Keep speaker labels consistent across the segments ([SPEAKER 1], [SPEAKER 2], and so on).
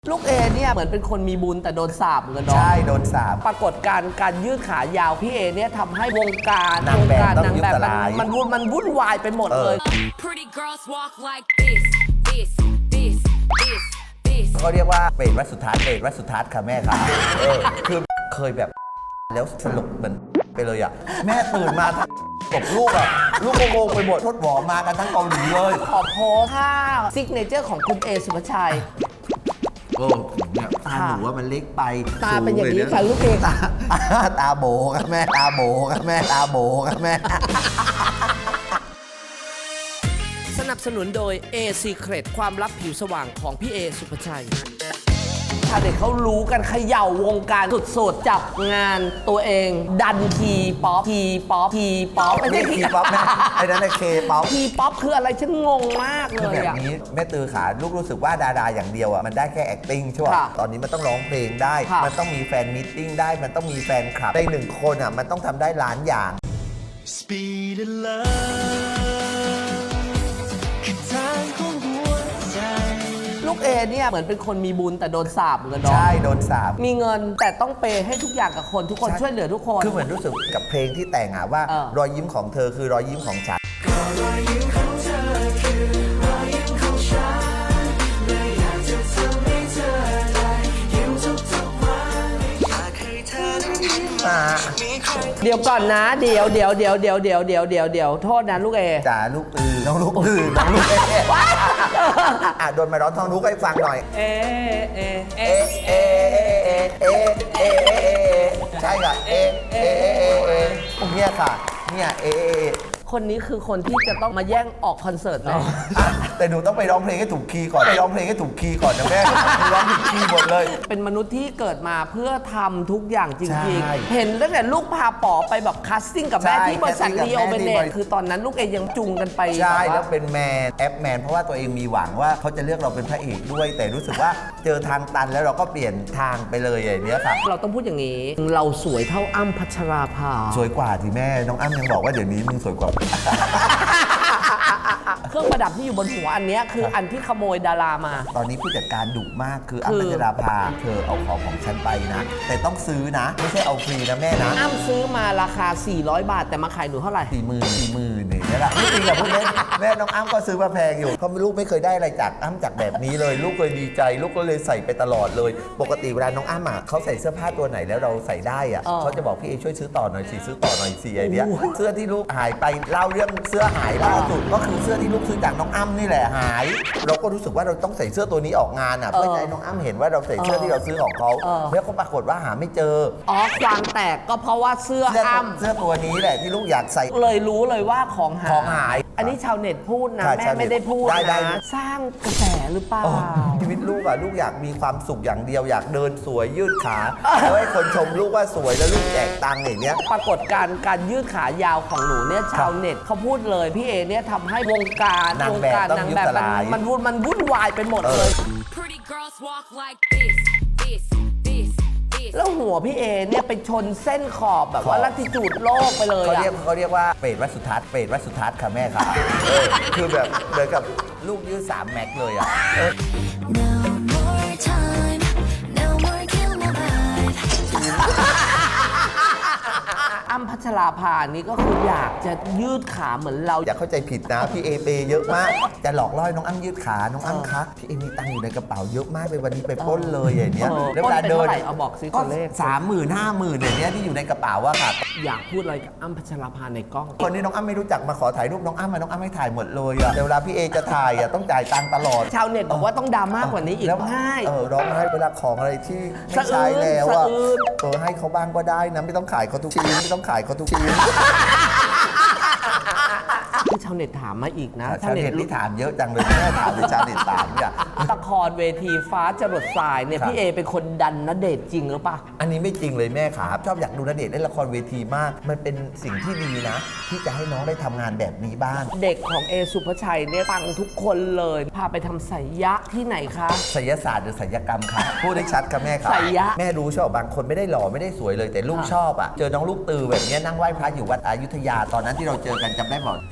[SPEAKER 1] ลูกเอเนี่ยเหมือนเป็นคนมีบุญแต่โดนสาปเหมือนกันเนาะ
[SPEAKER 2] ใช่โดนสาป
[SPEAKER 1] ปรากฏการยืดขายาวพี่เอเนี่ยทำให้วงการ
[SPEAKER 2] นางแบบต้อง
[SPEAKER 1] นางแบบ
[SPEAKER 2] ยุบสลาย
[SPEAKER 1] มันวุ่นวายไปหมดเลย
[SPEAKER 3] Pretty girls walk like this, this, this, this, this.
[SPEAKER 2] เขาเรียกว่าเปรตวัดสุทัศน์เปรตวัดสุทัศน์ค่ะแม่ค่ะคือเคยแบบแล้วสลบเหมือนไปเลยอ่ะแม่ตื่นมาตบลูกอ่ะลูกโงงไปหมดทดหวอมากันทั้งเกาหลีเลย
[SPEAKER 1] ขอโพสท่าซิกเนเจอร์ของคุณเอสุภาชัย
[SPEAKER 2] เนี่ยตาหนูว่ามันเล็กไป
[SPEAKER 1] ตาเป็นอย่างนี้ค่ะลูกเอ
[SPEAKER 2] ตาโบครับแม่ตาโบครับแม่ตาโบครับแม่
[SPEAKER 1] สนับสนุนโดย A Secret ความลับผิวสว่างของพี่เอสุภาชัยชาวเด็กเขารู้กันเขย่าวงการสุดๆจับงานตัวเองดันทีป๊อปไม่ใช่
[SPEAKER 2] ทีป๊อปนะไอ้นั่นเคป๊อป
[SPEAKER 1] ทีป๊อปคืออะไรฉันงงมากเล
[SPEAKER 2] คือย แบบ
[SPEAKER 1] อ่ะ
[SPEAKER 2] นี้แม่ตือขาลูกรู้สึกว่าดาราอย่างเดียวอ่ะมันได้แค่ acting ใช่ป่ะ
[SPEAKER 1] ค่ะ
[SPEAKER 2] ตอนนี้มันต้องร้องเพลงได้
[SPEAKER 1] ค่ะ
[SPEAKER 2] มันต้องมีแฟนมิทติ้งได้มันต้องมีแฟนคลับในหนึ่งคนอ่ะมันต้องทำได้ล้านอย่าง
[SPEAKER 4] Speed in love คือทางของหัวใจ
[SPEAKER 1] ลูกเอเนี่ยเหมือนเป็นคนมีบุญแต่โดนสาปเหมือนกันเนาะ
[SPEAKER 2] ใช่โดนสาป
[SPEAKER 1] มีเงินแต่ต้องเปย์ให้ทุกอย่างกับคนทุกคน
[SPEAKER 2] ใช่
[SPEAKER 1] ช่วยเหลือทุกคน
[SPEAKER 2] คือเหมือนรู้สึกกับเพลงที่แต่งอ่ะว่า รอยยิ้มของเธอคือรอยยิ้มของฉัน
[SPEAKER 4] รอยยิ้มของเธอคือรอยยิ้มของฉันเลยอยากจะทำให้เธอได้ยิ้มทุกๆวันอยากให้เธอได้ยิ้มมีใคร
[SPEAKER 1] เดี๋ยวก่อนนะเดี๋ยวโทษนะลูกเอ
[SPEAKER 2] จ๋าลูกตือน้องลูกตือน้องลูกเอ๊ะโดนมาร้องท่องลูกให้ฟังหน่อย
[SPEAKER 1] เอ
[SPEAKER 2] เอ๊ะเอ๊ะเอ๊ะเอ๊ะเอ๊ะใช่ค่ะเอ๊ะเอ๊ะเอ๊ะเนี่ยค่ะเนี่ยเอ๊ะ
[SPEAKER 1] คนนี้คือคนที่จะต้องมาแย่งออกคอนเสิร์ตไหม
[SPEAKER 2] แต่หนูต้องไปร้องเพลงให้ถูกคีย์ก่อนไปร้องเพลงให้ถูกคีย์ก่อนนะแม่หนูร้องผิดคีย์หมดเลย
[SPEAKER 1] เป็นมนุษย์ที่เกิดมาเพื่อทำทุกอย่างจ
[SPEAKER 2] ใช่
[SPEAKER 1] ริงๆ เห็นตั้งแต่ลูกพาป๋อไปแบบคัสติ้งกับแม่
[SPEAKER 2] ใช่
[SPEAKER 1] ที่บริษัท
[SPEAKER 2] casting กับ
[SPEAKER 1] ลีโอ
[SPEAKER 2] แม่
[SPEAKER 1] เบ
[SPEAKER 2] ที่
[SPEAKER 1] เน
[SPEAKER 2] บ
[SPEAKER 1] ต
[SPEAKER 2] ริษัท
[SPEAKER 1] คือตอนนั้นลูกเอยังจุงกันไป
[SPEAKER 2] ใช่
[SPEAKER 1] บบ
[SPEAKER 2] แล้วเป็นแมนแอปแมนเพราะว่าตัวเองมีหวังว่าเขาจะเลือกเราเป็นพระเอกด้วย แต่รู้สึกว่าเจอทางตันแล้วเราก็เปลี่ยนทางไปเลยอย่างเนี้ยค่ะ
[SPEAKER 1] เราต้องพูดอย่างนี้ เราสวยเท่าอ้ำพัชราภา
[SPEAKER 2] สวยกว่าที่แม่น้องอ้ำยังบอกว่าเดี๋ยวนี้มึงสวยกว่า
[SPEAKER 1] เครื่องประดับที่อยู่บนหัวอันเนี้ยคืออันที่ขโมยดารามา
[SPEAKER 2] ตอนนี้ผู้จัดการดุมากคืออ้ำพัชราภาเธอเอาของฉันไปนะ แต่ต้องซื้อนะ ไม่ใช่เอาฟรีนะแม่นะ
[SPEAKER 1] อ้ำซื้อมาราคา 400 บาทแต่มาขายหนูเท่าไหร่
[SPEAKER 2] 40,000เนี่ยแหละไม่จริงกับพูดเล่นแม่น้องอ้ำก็ซื้อมาแพงอยู่เพราะลูกไม่เคยได้อะไรจากอ้ำจากแบบนี้เลย ลูกเคยดีใจลูกก็เลยใส่ไปตลอดเลย ปกติเวลาน้องอ้ำอ่ะเขาใส่เสื้อผ้าตัวไหนแล้วเราใส่ได้อ่ะเขาจะบอกพี่เอช่วยซื้อต่อหน่อยสิซื้อต่อหน่อยสิไอเนี้ยเสื้อที่ลูกหายไปเล่าเรื่องเสื้อหายล่าสุดก็คือเสื้อที่ลูกซื้อจากน้องอ้ำนี่แหละหาย เราก็รู้สึกว่าเราต้องใส่เสื้อตัวนี้ออกงานอ่ะเพื่อให้น้องอ้ำเห็นว่าเราใส่เสื้อที่เราซื้อของเขาแล้วก็ปรากฏว่าหาไม่เจอ
[SPEAKER 1] อ๋อความแตกก็เพราะว่าเสื้ออ้ำ
[SPEAKER 2] เสื้อตัวนี้แหละที่ลูกอยากใส่
[SPEAKER 1] เลยรู้เลยว่าของหาย
[SPEAKER 2] ของหาย
[SPEAKER 1] อันนี้ชาวเน็ตพูดนะ
[SPEAKER 2] ค่ะ
[SPEAKER 1] แม่
[SPEAKER 2] ชาวเน็ต
[SPEAKER 1] ไม่ได้พูด
[SPEAKER 2] ได้
[SPEAKER 1] นะสร้างกระแสหรือเปล่า
[SPEAKER 2] ชีวิตลูกอะลูกอยากมีความสุขอย่างเดียวอยากเดินสวยยืดขาแล้วให้คนชมลูกว่าสวยแล้วลูกแจกตังค์อย่างเนี้ย
[SPEAKER 1] ปรากฏการยืดขายาวของหนูเนี่ยชาวเน็ตเขาพูดเลยพี่เอเนี่ยทำให้วงการ
[SPEAKER 2] นางแบบต้อง
[SPEAKER 1] นาง
[SPEAKER 2] ยุบ
[SPEAKER 1] แบบ
[SPEAKER 2] สลาย
[SPEAKER 1] มันวุ่นวายไปหมดเลย
[SPEAKER 3] Pretty girls walk like this, this, this, this.
[SPEAKER 1] แล้วหัวพี่เอเนี่ยไปชนเส้นขอบแบบว่าลัติจูดโลกไปเลย
[SPEAKER 2] เขา
[SPEAKER 1] อะ
[SPEAKER 2] เรียกว่าเปรตวัดสุทัศน์เปรตวัดสุทัศน์ค่ะแม่ค่ะคือแบบเหมือนกับลูกยืด3 แม็กเลยอะ
[SPEAKER 5] No more time, no more kill my vibe.
[SPEAKER 1] อ้ำพัชราภานี่ก็คืออยากจะยืดขาเหมือนเรา
[SPEAKER 2] อย่าเข้าใจผิดนะพี่เอเปเยอะมากจะหลอกล่อให้น้องอ้ำยืดขาน้องอ้ำคะพี่เอมีตังค์อยู่ในกระเป๋าเยอะมากเลยวันนี้ไปปล้นเลยอย่างเนี้ย
[SPEAKER 1] ปล้นเป็นเท่าไหร่เอาบอกสิตัวเลข
[SPEAKER 2] 30,000 50,000อย่างเนี้ยที่อยู่ในกระเป๋าอะค่ะ
[SPEAKER 1] อยากพูดอะไรกับอ้ำพัชราภาในกล้อง
[SPEAKER 2] คนที่น้องอ้ำไม่รู้จักมาขอถ่ายรูปน้องอ้ำน้องอ้ำให้ถ่ายหมดเลยอะแต่เวลาพี่เอจะถ่ายอะต้องจ่ายตังค์ตลอด
[SPEAKER 1] ชาวเน็ตบอกว่าต้องดราม่ากว่านี้อีก
[SPEAKER 2] แล้ว
[SPEAKER 1] ง่าย
[SPEAKER 2] ร้องไห้เวลาของอะไรที่ไม่ใช้แล้วอะ
[SPEAKER 1] สะอื้น
[SPEAKER 2] ให้เขาบ้างก็ได้นะไม่ต้องขายเขาทุกชิ้นไม่ต้องขายเขาทุกชิ้น
[SPEAKER 1] ที่ชาวเน็ตถามมาอีกนะ
[SPEAKER 2] ชาวเน็ตที่ถามเยอะจังเลยแม่ถามหรือชาวเน็ตถามเนี่ย
[SPEAKER 1] ละครเวทีฟ้าจรดทรายเนี่ย
[SPEAKER 2] ครับ
[SPEAKER 1] พี่เอเป็นคนดันณเดชน์จริงหรือเปล่า
[SPEAKER 2] อันนี้ไม่จริงเลยแม่ครับชอบอยากดูณเดชน์เล่นละครเวทีมาก มันเป็นสิ่งที่ดีนะ ที่จะให้น้องได้ทำงานแบบนี้บ้าง
[SPEAKER 1] เด็กของเอสุภาชัยเนี่ยปังทุกคนเลย พาไปทำไสยะที่ไหนคะ
[SPEAKER 2] ศิลศาสตร์หรือศิลปกรรมครับพูดได้ชัดครับแม่ครับ
[SPEAKER 1] ไสยะ
[SPEAKER 2] แม่รู้ชอบบางคนไม่ได้หล่อไม่ได้สวยเลยแต่ลูกชอบอ่ะเจอน้องลูกตือแบบเนี้ยนั่งไหว้พระอยู่วัดอยุธยาตอนนั้นที่เราเจอกันจำได้บอกพี่เอก็จะเดิน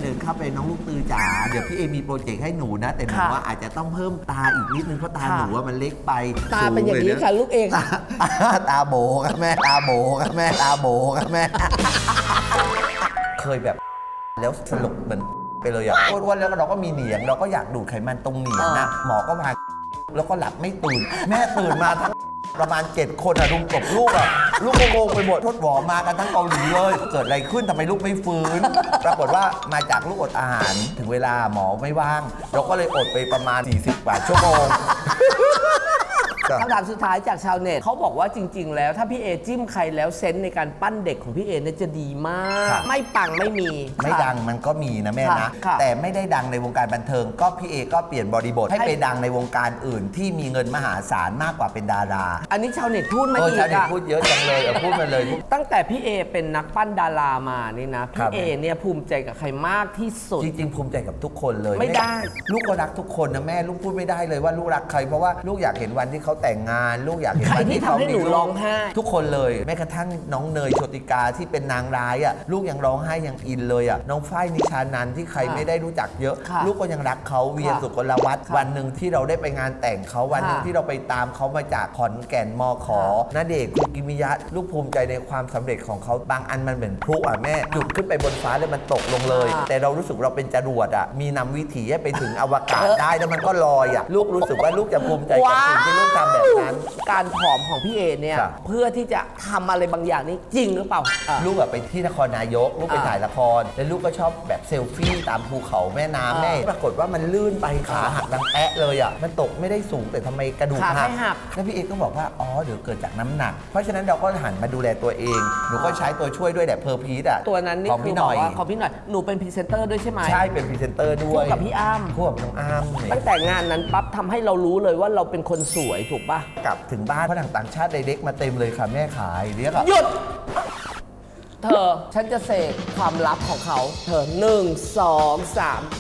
[SPEAKER 2] ดินเข้าไปน้องลูกตือจ๋าเดี๋ยวพี่เอมีโปรเจกต์ให้หนูนะ แต่หนู
[SPEAKER 1] ค่ะ
[SPEAKER 2] ว่าอาจจะต้องเพิ่มตาอีกนิดนึงเพราะตา
[SPEAKER 1] ค่ะ
[SPEAKER 2] หนูว่ามันเล็กไป
[SPEAKER 1] ตาเป็นอย่างนี้
[SPEAKER 2] สูล
[SPEAKER 1] ค่ะลูกเอง
[SPEAKER 2] ตาโบครับแม่ตาโบครับแม่ตาโบครับแม่ เคยแบบแล้วสลบเหมือนไปเลยอ่ะอ้วนๆแล้วเราก็มีเหนียงเราก็อยากดูดไขมันตรงเหนียงนะหมอก็พาแล้วก็หลับไม่ตื่น แม่ตื่นมาทั้งประมาณ 7 คนอะรุมตบลูกอะลูกงงๆไปหมดทดหวอมากันทั้งเกาหลีเลย เกิดอะไรขึ้นทำไมลูกไม่ฟื้น ปรากฏว่ามาจากลูกอดอาหารถึงเวลาหมอไม่ว่าง เราก็เลยอดไปประมาณ 40 กว่าชั่วโมง
[SPEAKER 1] คำถามสุดท้ายจากชาวเน็ตเขาบอกว่าจริง ๆ แล้วถ้าพี่เอจิ้มใครแล้วเซนส์ในการปั้นเด็กของพี่เอเนี่ยจะดีมาก
[SPEAKER 2] ครับ
[SPEAKER 1] ไม่ปังไม่มี
[SPEAKER 2] ไม่
[SPEAKER 1] ค่ะ
[SPEAKER 2] ดังมันก็มีนะแม่นะ
[SPEAKER 1] ค่ะ
[SPEAKER 2] แต่ไม่ได้ดังในวงการบันเทิง ก็พี่เอก็เปลี่ยนบริบทให้
[SPEAKER 1] ให้
[SPEAKER 2] ไปดังในวงการอื่น ที่มีเงินมหาศาลมากกว่าเป็นดารา
[SPEAKER 1] อันนี้ชาวเน็ตพูดมา
[SPEAKER 2] โอ้
[SPEAKER 1] อีก
[SPEAKER 2] ชาวเน็ต
[SPEAKER 1] อะ
[SPEAKER 2] พูดเยอะจังเลยพูดมาเลย
[SPEAKER 1] ตั้งแต่พี่เอเป็นนักปั้นดารามานี่นะ
[SPEAKER 2] ครั
[SPEAKER 1] พี่
[SPEAKER 2] บ
[SPEAKER 1] เอเนี่ยภูมิใจกับใครมากที่สุด
[SPEAKER 2] จริงๆภูมิใจกับทุกคนเลย
[SPEAKER 1] ไม่ได้
[SPEAKER 2] ลูกก็รักทุกคนนะแม่ลูกพูดไม่ได้เลยว่าลูกรักใครเพราะว่าลูกอยากเห็นวันที่เขาแต่งงาน ลูกอยากเห็น
[SPEAKER 1] ใคร
[SPEAKER 2] วัน
[SPEAKER 1] ที่
[SPEAKER 2] ที่เขา
[SPEAKER 1] ทำให้หนู
[SPEAKER 2] มีลูก
[SPEAKER 1] ร้องไห้
[SPEAKER 2] ทุกคนเลยแม้กระทั่งน้องเนยโชติกาที่เป็นนางร้ายอ่ะลูกยังร้องไห้ยังอินเลยอ่ะน้องฝ้ายนิชานันท์ที่ใครไม่ได้รู้จักเยอะ
[SPEAKER 1] ค่ะ
[SPEAKER 2] ลูกก็ยังรักเขาเวีย
[SPEAKER 1] ค่ะ
[SPEAKER 2] สุกลวัฒน์
[SPEAKER 1] ค่ะ
[SPEAKER 2] วันหนึ่งที่เราได้ไปงานแต่งเขาวันหนึ่ง
[SPEAKER 1] ค่ะ
[SPEAKER 2] ที่เราไปตามเขามาจากขอนแก่นมขอ
[SPEAKER 1] ค่ะ
[SPEAKER 2] ณเดชน์คุกิมิยะลูกภูมิใจในความสำเร็จของเขาบางอันมันเหมือนพลุอ่ะแม่จุดขึ้นไปบนฟ้าแล้วมันตกลงเลย
[SPEAKER 1] ค่ะ
[SPEAKER 2] แต่เรารู้สึกเราเป็นจรวดอ่ะมีนำวิถีให้ไปถึงอวกาศได้แล้วมันก็ลอยอ่ะลูกรู้สึกว่าลูกจะภูมิใจกับสิ่งที่ลูกทำแบบนั้น
[SPEAKER 1] การผอมของพี่เอเนี่ย
[SPEAKER 2] ครับ
[SPEAKER 1] เพื่อที่จะทำอะไรบางอย่างนี่จริงหรือเปล่าอ่ะ
[SPEAKER 2] ลูกแบบไปที่นครนายก ลูกไป
[SPEAKER 1] อ่า
[SPEAKER 2] ถ่ายละคร แล้วลูกก็ชอบแบบเซลฟี่ตามภูเขาแม่น้ำ
[SPEAKER 1] อ่า
[SPEAKER 2] แม่ปรากฏว่ามันลื่นไปขาหักดังแอะเลยอ่ะมันตกไม่ได้สูงแต่ทำไมกระดูก
[SPEAKER 1] ขา
[SPEAKER 2] หั
[SPEAKER 1] ไม่หัก
[SPEAKER 2] แล้วพี่เอกก็บอกว่าอ๋อเดี๋ยวเกิดจากน้ำหนัก เพราะฉะนั้นเราก็หันมาดูแลตัวเองหนูก็ใช้ตัวช่วยด้วยแบบเพอร์พีทอ่ะ
[SPEAKER 1] ตัวนั้นนี่
[SPEAKER 2] ของ
[SPEAKER 1] คือ
[SPEAKER 2] พี่
[SPEAKER 1] บ
[SPEAKER 2] ห
[SPEAKER 1] อ
[SPEAKER 2] น่
[SPEAKER 1] ก
[SPEAKER 2] อย
[SPEAKER 1] ว่าของพี่หน่อยหนูเป็นพรีเซนเตอร์ด้วยใช่ไหม
[SPEAKER 2] ใช่เป็นพรีเซนเตอร์ด้วย
[SPEAKER 1] คู่กับพี่อ้ำ
[SPEAKER 2] คู่กับน้องอ้ำเนี่ย
[SPEAKER 1] ตั้งแต่งานนั้นปั๊บทำให้เรารู้เลยว่าเราเป็นคนสวยถูกปะ
[SPEAKER 2] กลับถึงบ้านฝรั่งต่างชาติไดเด็กมาเต็มเลยค่ะแม่ขายเรียกอะ
[SPEAKER 1] หยุด เธอ ฉันจะเสกความลับของเขา เธอ 1 2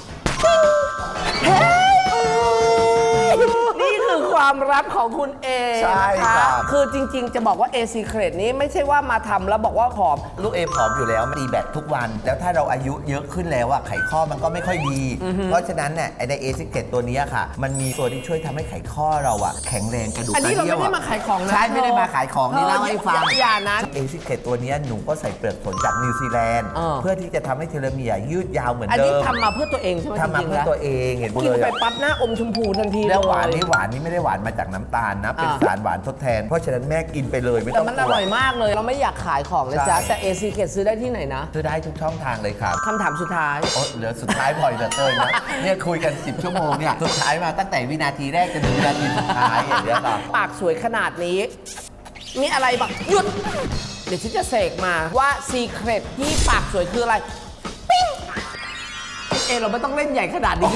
[SPEAKER 1] 3เฮ้ยนี่คือความลับของคุณเอ
[SPEAKER 2] ใช่
[SPEAKER 1] นะคะ
[SPEAKER 2] ครับ
[SPEAKER 1] คือจริง ๆ จะบอกว่า A Secret นี้ไม่ใช่ว่ามาทำแล้วบอกว่าผอม
[SPEAKER 2] ลูกเอผอมอยู่แล้วตีแบตทุกวัน แล้วถ้าเราอายุเยอะขึ้นแล้วอะไขข้อมันก็ไม่ค่อยดี เพราะฉะนั้นเนี่ยไอ้ในเอซิเกตตัวเนี้ยค่ะ มันมีตัวที่ช่วยทำให้ไขข้อเราอะแข็งแรงกระดูก
[SPEAKER 1] อันนี้เรา
[SPEAKER 2] กะ
[SPEAKER 1] ไม่
[SPEAKER 2] ดี่ยว
[SPEAKER 1] ได้มาขายของนะ
[SPEAKER 2] ใช่ไม่ได้มาขายของนี่
[SPEAKER 1] เธอ
[SPEAKER 2] เล่าให้ฟัง
[SPEAKER 1] อย่านะ
[SPEAKER 2] เอซิเกตตัวเนี้ยหนูก็ใส่เปลือกผลจากนิวซีแลนด์
[SPEAKER 1] เออ
[SPEAKER 2] เพื่อที่จะทำให้เทโลเมียร์ยืดยาวเหมือน
[SPEAKER 1] อัน
[SPEAKER 2] เดิ
[SPEAKER 1] นี้
[SPEAKER 2] ม
[SPEAKER 1] ทำมาเพื่อตัวเองใช่ไหม
[SPEAKER 2] ทำมา
[SPEAKER 1] จริงๆ
[SPEAKER 2] เพื่อ
[SPEAKER 1] แล้ว
[SPEAKER 2] ตัวเองเห็น
[SPEAKER 1] กิน
[SPEAKER 2] เลย
[SPEAKER 1] ไป
[SPEAKER 2] อะ
[SPEAKER 1] ปั๊บหน้าอมชมพูทันที
[SPEAKER 2] แล้วหวาน
[SPEAKER 1] เลย
[SPEAKER 2] นี่หวานนี่ไม่ได้หวานมาจากน้ำตาลนะ เป็น
[SPEAKER 1] อ่า
[SPEAKER 2] สารหวานทดแทน เพราะฉะนั้นแม่กินไปเลยไม่
[SPEAKER 1] แต่
[SPEAKER 2] ต้อง
[SPEAKER 1] มัน
[SPEAKER 2] ก
[SPEAKER 1] อ
[SPEAKER 2] ลัว
[SPEAKER 1] ร่อยมากเลย เราไม่อยากขายของนะจ๊ะ
[SPEAKER 2] ใช่
[SPEAKER 1] แต่ A Secret ซื้อได้ที่ไหนนะ
[SPEAKER 2] ซื้อได้ทุกช่องทางเลยครับ
[SPEAKER 1] คำถามสุดท้าย
[SPEAKER 2] โอ้เหลือสุดท้ายบ่อยเหลือเกินนะ เนี่ยคุยกัน 10 ชั่วโมงเนี่ย สุดท้ายมาตั้งแต่วินาทีแรกจนถึงวินาทีสุดท้ายอย่างเงี้ยครับ
[SPEAKER 1] ปากสวยขนาดนี้ มีอะไรบ้างหยุด เดี๋ยวฉันจะเสกมาว่า Secret ที่ปากสวยคืออะไร ปิ้งเราไม่ต้องเล่นใหญ่ขนาดนี้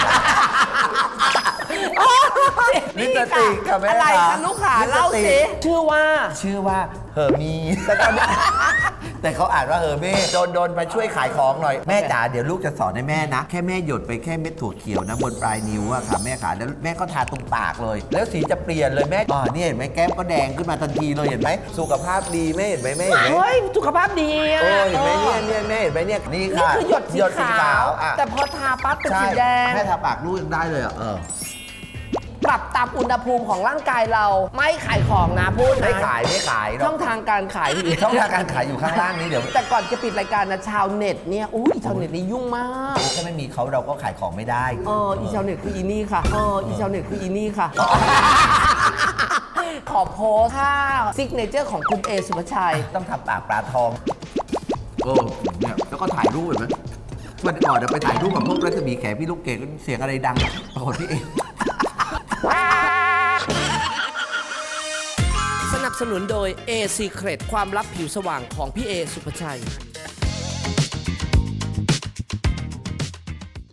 [SPEAKER 2] ลิปสติกค่ะแม่
[SPEAKER 1] อะไร
[SPEAKER 2] ค่ะ
[SPEAKER 1] คะลูกขา
[SPEAKER 2] ลิปสติก
[SPEAKER 1] เล่าสิชื่อว่า
[SPEAKER 2] ชื่อว่าเฮอร์มี แต่เขาอ่านว่าเฮอร์เม่โดนมาช่วยขายของหน่อย แม่จ๋าเดี๋ยวลูกจะสอนให้แม่นะ แค่แม่หยดไปแค่เม็ดถั่วเขียวนะบนปลายนิ้วอะค่ะแม่ขาแล้วแม่ก็ทาตรงปากเลย แล้วสีจะเปลี่ยนเลยแม่เนี่ยเห็นไหมแก้มก็แดงขึ้นมาทันทีเลยเห็นไหมสุขภาพดีแม่เห็นไหมแม่เห็นไหม
[SPEAKER 1] เฮ้ย สุขภาพดีอะ
[SPEAKER 2] โอ้เห็นไหมเนี่ยแม่เห็นไหมเนี่ยนี่
[SPEAKER 1] นี่
[SPEAKER 2] ค่ะ
[SPEAKER 1] คือหยดสีขาว
[SPEAKER 2] อ่ะ
[SPEAKER 1] แต่พอทาปั๊บเป็น
[SPEAKER 2] ใช่
[SPEAKER 1] สีแดง
[SPEAKER 2] แม่ทาปากลูกยังได้เลยอ่ะ
[SPEAKER 1] ปรับตามอุณหภูมิของร่างกายเราไม่ขายของนะพูดนะ
[SPEAKER 2] ไม่ขายหร
[SPEAKER 1] ช่
[SPEAKER 2] อ
[SPEAKER 1] อก งทางการขาย
[SPEAKER 2] ช่องทางการขายอยู่ข้างล่างนี้เดี๋ยว
[SPEAKER 1] แต่ก่อนจะปิดรายการนะชาวเน็ตเนี่ยอุ้ยชาวเน็ตนี่ยุ่งมาก
[SPEAKER 2] ถ้าไม่มีเขาเราก็ขายของไม่ได้
[SPEAKER 1] อีชาวเน็ตคืออีนี่ค่ะอีชาวเน็ตคืออีนี่ค่ะ ขอโพสท่าซิกเนเจอร์ของคุณเอสุภาชัย
[SPEAKER 2] ต้องทำปากปลาทองเนี่ยแล้วก็ถ่ายรูปเห็นไหมวันก่อนเดี๋ยวไปถ่ายรูปกับพวกรัศมีแขพี่ลูกเกดเสียงอะไรดังปรากฏพี่เอง
[SPEAKER 1] สนับสนุนโดย A Secret ความลับผิวสว่างของพี่เอสุภาชัย